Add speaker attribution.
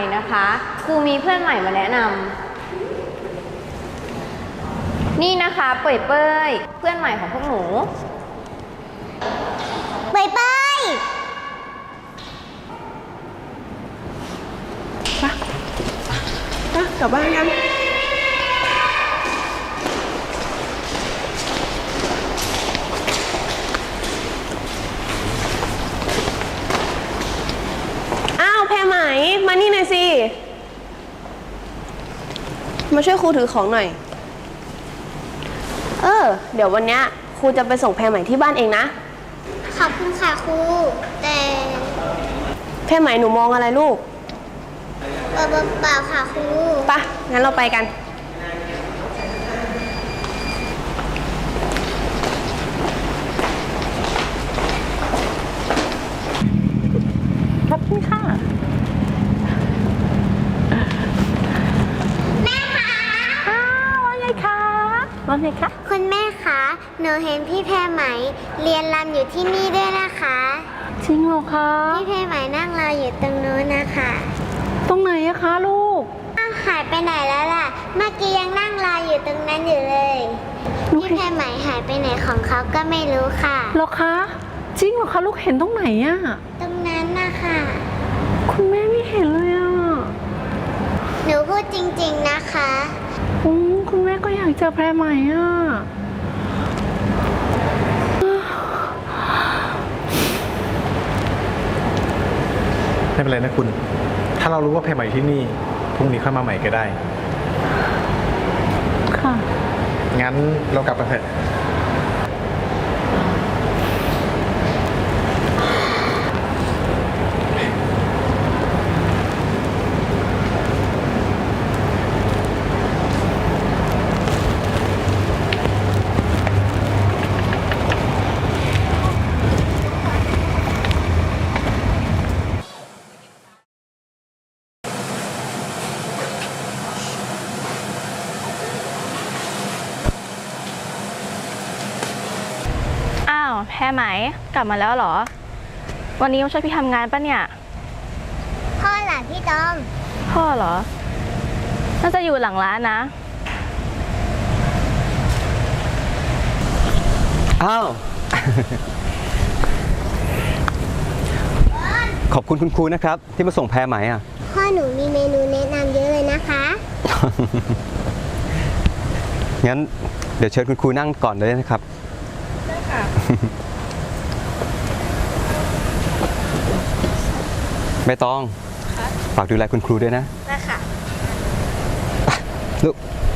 Speaker 1: นะคะครูมีเพื่อนใหม่มาแนะนำนี่นะคะเป่ยเป้ยเพื่อนใหม่ของพวกหนู
Speaker 2: เป้ยเป้ย
Speaker 3: กลับบ้านกันอ้าวแพรไหมมานี่หน่อยสิมาช่วยครูถือของหน่อยเดี๋ยววันเนี้ยครูจะไปส่งแพรไหมที่บ้านเองนะ
Speaker 2: ขอบคุณค่ะครูแต่
Speaker 3: แพรไหมหนูมองอะไรลูก
Speaker 2: เปล่าค่ะครู
Speaker 3: ปะงั้นเราไปกันขอบคุณค่ะ
Speaker 2: แม่คะ
Speaker 3: ว่าไงคะว่าไงคะ
Speaker 2: คุณแม่คะหนูเห็นพี่แพรไหมเรียนรำอยู่ที่นี่ด้วยนะคะ
Speaker 3: จริงเหรอคะ
Speaker 2: พี่แพรไหมนั่งรออยู่ตรงนู้นนะคะ
Speaker 3: ตรงไหนอะคะลูก
Speaker 2: หายไปไหนแล้วล่ะเมื่อกี้ยังนั่งรออยู่ตรงนั้นอยู่เลยพี่แพรไหมหายไปไหนของเขาก็ไม่รู้ค่ะ
Speaker 3: เหรอคะจริงเหรอคะลูกเห็นตรงไหนอะ
Speaker 2: ตรงนั้นนะคะ
Speaker 3: คุณแม่ไม่เห็นเลยอะ
Speaker 2: หนูพูดจริงๆนะคะ
Speaker 3: คุณแม่ก็อยากเจอแพรไหมอะ
Speaker 4: ไม่เป็นไรนะคุณถ้าเรารู้ว่าแพรใหม่ที่นี่พรุ่งนี้ค่อยมาใหม่ก็ได้
Speaker 3: ค่ะ
Speaker 4: งั้นเรากลับกันเถอะ
Speaker 5: แพรไหมกลับมาแล้วเหรอวันนี้มาช่วยพี่ทำงานปะเนี่ย
Speaker 2: พ่อหล่ะพี่ตอม
Speaker 5: พ่อเหรอน่าจะอยู่หลังร้านนะ
Speaker 6: อ้าว ขอบคุณคุณครูนะครับที่มาส่งแพรไหมอ่ะ
Speaker 2: พ่อหนูมีเมนูแนะนำเยอะเลยนะคะ
Speaker 6: งั้นเดี๋ยวเชิญคุณครูนั่งก่อนเลยนะครับไม่ต้องฝากดูแลคุณครูด้วยนะ
Speaker 5: ได้ค่ะ
Speaker 6: ลูก